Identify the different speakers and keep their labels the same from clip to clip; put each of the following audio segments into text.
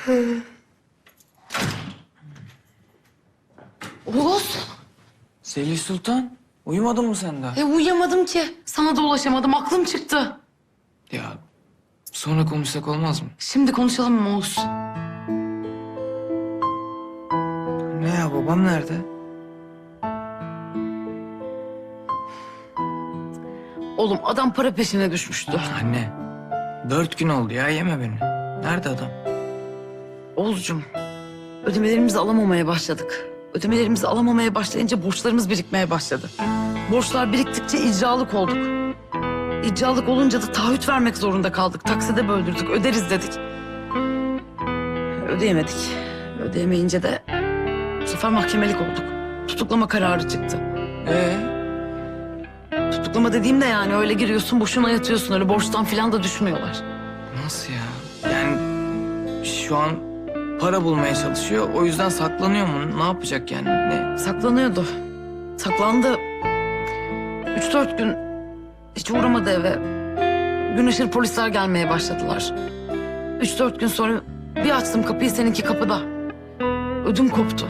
Speaker 1: Oğuz.
Speaker 2: Zelih Sultan, uyumadın mı sen daha?
Speaker 1: Uyuyamadım ki. Sana da ulaşamadım. Aklım çıktı.
Speaker 2: Ya sonra konuşsak olmaz mı?
Speaker 1: Şimdi konuşalım mı Oğuz?
Speaker 2: Ne ya, babam nerede?
Speaker 1: Oğlum adam para peşine düşmüştü.
Speaker 2: Anne, 4 gün oldu ya, yeme beni. Nerede adam?
Speaker 1: Oğuzcum, ödemelerimizi alamamaya başladık. Ödemelerimizi alamamaya başlayınca borçlarımız birikmeye başladı. Borçlar biriktikçe icralık olduk. İcralık olunca da taahhüt vermek zorunda kaldık. Takside böldürdük, öderiz dedik. Ödeyemedik. Ödeyemeyince de bu sefer mahkemelik olduk. Tutuklama kararı çıktı. Tutuklama dediğim de yani öyle giriyorsun boşuna yatıyorsun. Öyle borçtan falan da düşmüyorlar.
Speaker 2: Nasıl ya? Yani şu an para bulmaya çalışıyor, o yüzden saklanıyor mu? Ne yapacak yani? Ne?
Speaker 1: Saklanıyordu. Saklandı. 3-4 gün hiç uğramadı eve. Gün ışır polisler gelmeye başladılar. 3-4 gün sonra bir açtım kapıyı, seninki kapıda. Ödüm koptu.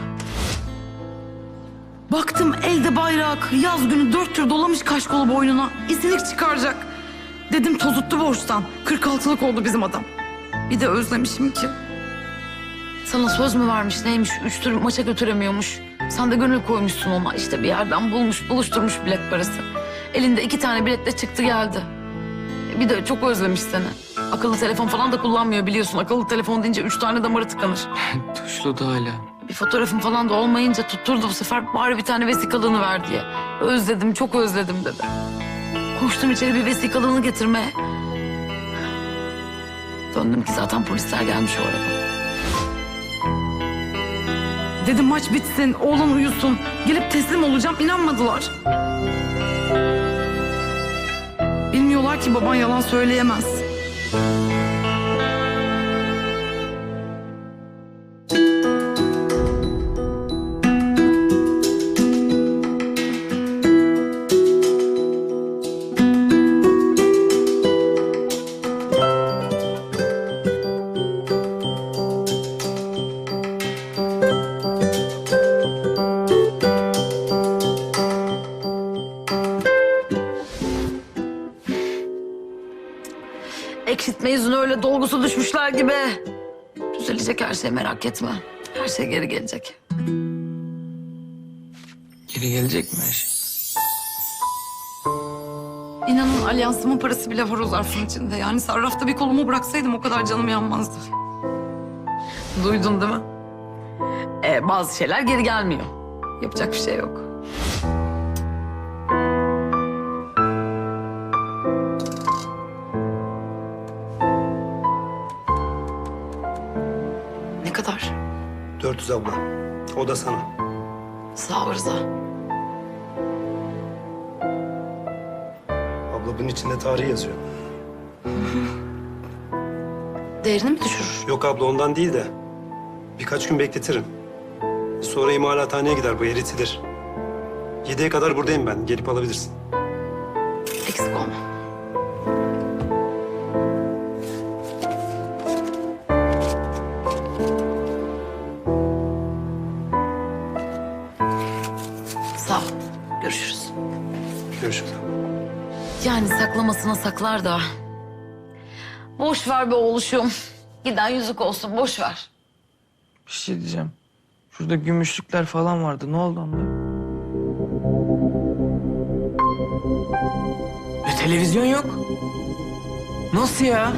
Speaker 1: Baktım elde bayrak, yaz günü 4 tür dolamış kaşkolu boynuna. İzilik çıkaracak. Dedim tozuttu borçtan. 46'lık oldu bizim adam. Bir de özlemişim ki. Sana söz mü vermiş neymiş, 3 tür maça götüremiyormuş. Sen de gönül koymuşsun ona. İşte bir yerden buluşturmuş bilet parası. Elinde 2 tane biletle çıktı geldi. Bir de çok özlemiş seni. Akıllı telefon falan da kullanmıyor biliyorsun. Akıllı telefon deyince 3 tane damarı tıkanır.
Speaker 2: Tuşlu da hala.
Speaker 1: Bir fotoğrafım falan da olmayınca tutturdu bu sefer. Bari bir tane vesikalığını ver diye. Özledim, çok özledim dedi. Koştum içeri bir vesikalığını getirmeye. Döndüm ki zaten polisler gelmiş o arada. Dedim maç bitsin, oğlan uyusun. Gelip teslim olacağım, inanmadılar. Bilmiyorlar ki baban yalan söyleyemez. Eksiltme yüzüne öyle dolgusu düşmüşler gibi. Düzelecek her şey, merak etme. Her şey geri gelecek.
Speaker 2: Geri gelecek mi her şey?
Speaker 1: İnanın alyansımın parası bile var o zarfın içinde. Yani sarrafta bir kolumu bıraksaydım o kadar canım yanmazdı. Duydun değil mi? Bazı şeyler geri gelmiyor. Yapacak bir şey yok. Ne kadar?
Speaker 3: 400 abla. O da sana.
Speaker 1: Sağ ol Rıza.
Speaker 3: Abla bunun içinde tarih yazıyor.
Speaker 1: Değerini mi düşürür?
Speaker 3: Yok abla ondan değil de birkaç gün bekletirim. Sonra imalathaneye gider, bu eritilir. 7'ye kadar buradayım ben. Gelip alabilirsin.
Speaker 1: Eksik olma. Sağ ol. Görüşürüz.
Speaker 3: Görüşürüz.
Speaker 1: Yani saklamasına saklar da. Boş ver be oğluşum. Giden yüzük olsun, boş ver.
Speaker 2: Bir şey diyeceğim. Şurada gümüşlükler falan vardı. Ne oldu onlara? Televizyon yok. Nasıl ya?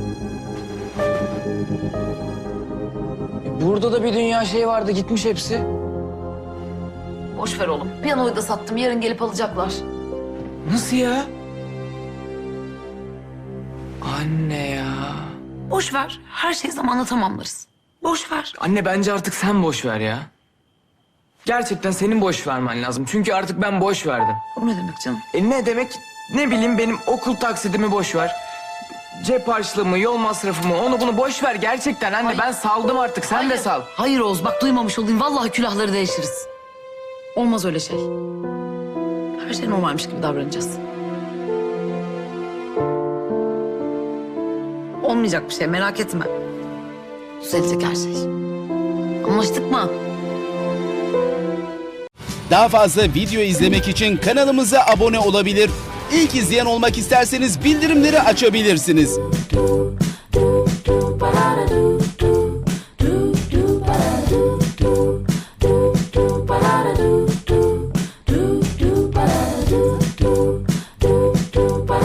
Speaker 2: Burada da bir dünya şey vardı. Gitmiş hepsi.
Speaker 1: Boş ver oğlum. Piyanoyu da sattım. Yarın gelip alacaklar.
Speaker 2: Nasıl ya? Anne ya.
Speaker 1: Boş ver. Her şeyi zamanla tamamlarız. Boş ver.
Speaker 2: Anne bence artık sen boş ver ya. Gerçekten senin boş vermen lazım. Çünkü artık ben boş verdim.
Speaker 1: O ne demek canım?
Speaker 2: Ne demek? Ne bileyim, benim okul taksidimi boş ver. Cep harçlığımı, yol masrafımı, onu bunu boş ver gerçekten anne.
Speaker 1: Hayır.
Speaker 2: Ben saldım artık. Sen de sal.
Speaker 1: Hayır Oğuz, bak duymamış olayım. Vallahi külahları değişiriz. Olmaz öyle şey. Her şey normalmiş gibi davranacağız. Olmayacak bir şey, merak etme. Düzelecek her şey. Anlaştık mı?
Speaker 4: Daha fazla video izlemek için kanalımıza abone olabilir. İlk izleyen olmak isterseniz bildirimleri açabilirsiniz.